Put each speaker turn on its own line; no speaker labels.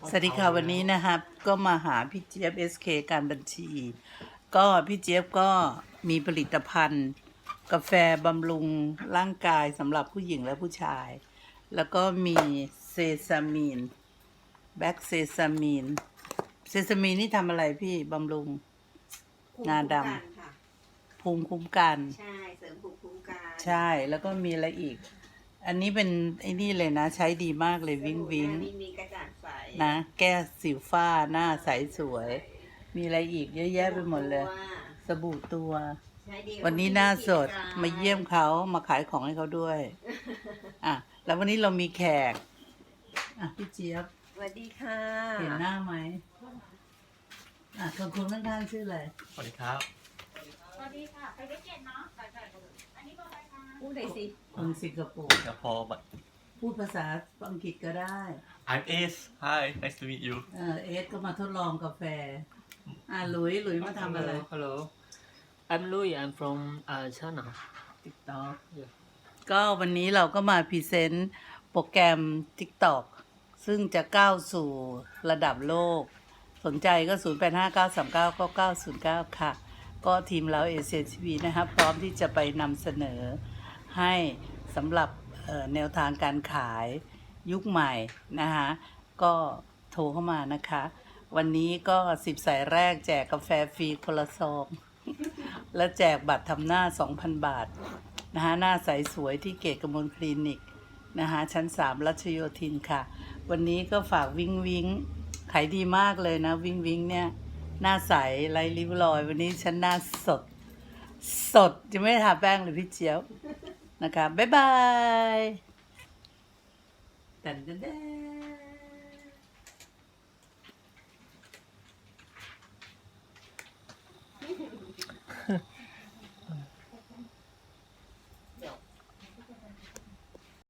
สวัสดีค่ะวันนี้นะครับก็มาหาพี่เจี๊ยบ SK การบัญชี ก็พี่เจี๊ยบก็มีผลิตภัณฑ์ กาแฟบำรุงร่างกายสำหรับผู้หญิงและผู้ชาย แล้วก็มีเซซามีนแบ็กเซซามีนนี่ทำอะไรพี่บำรุง
ภูมิ
งา
คุ้ม
ด
กันค่ะ
ำภูมิคุ้มกัน
ใช่เสริมภูมิคุ้มกัน
ใช่แล้วก็มีอะไรอีก อันนี้เป็นไอ้นี่เลยนะ ใช้ดีมากเลยวิ้งวิ้ง
สบู่หน้ามีกระจ่างใส
นะแก้สิวฝ้าหน้าใสสวย มีอะไรอีกเยอะแยะไปหมดเลย สบู่ตัว
ใช้ดีกับ
วันนี้
ค
หน้า
ที่
สด
กร
มาเยี่ยมเขามาขายของให้เขาด้วย อ่ะ แล้ววันนี้เรามีแขก อ่ะ พี่เจี๊ยบ
สวัสดีค่ะ
เห็นหน้าไหมอ่ะคนข้างๆชื่ออะไร
สวัสดีครับ
สวัสดีค่ะไปได้เจ็ดเนาะใส่อันนี้เบอร์อะไรคะ
พูดหน่อยสิ
คนสิงคโปร์
Singapore but
พูดภาษาอังกฤษก็ได้
I'm Ace Hi nice to meet you
เอสก็มาทดลองกาแฟ อ่ะหลุยมาทำอะไร
Hello. I'm Louis. I'm from China.
ติ๊กต็อก
Yeah.
ก็วันนี้เราก็มาพรีเซนต์โปรแกรม TikTok ซึ่งจะก้าวสู่ระดับโลก สนใจก็ 0859399909 ค่ะ ก็ทีมเราเอเชียทีวีนะครับพร้อมที่จะไปนำเสนอให้สำหรับแนวทางการขายยุคใหม่นะคะก็โทรเข้ามานะคะ วันนี้ก็10 สายแรกแจกกาแฟฟรีคนละซอง และแจกบัตรทำหน้า 2,000 บาทนะคะหน้าใสสวยที่เกตกมลคลินิกนะคะชั้น 3 รัชโยธินค่ะ วันนี้ก็ฝากวิงวิงขายดีมากเลยนะวิงวิงเนี่ยหน้าใสไร้ริ้วรอย วันนี้ฉันหน้าสดจะไม่ได้ทาแป้งเลยพี่เจี๊ยบนะคะบ๊ายบายแต่น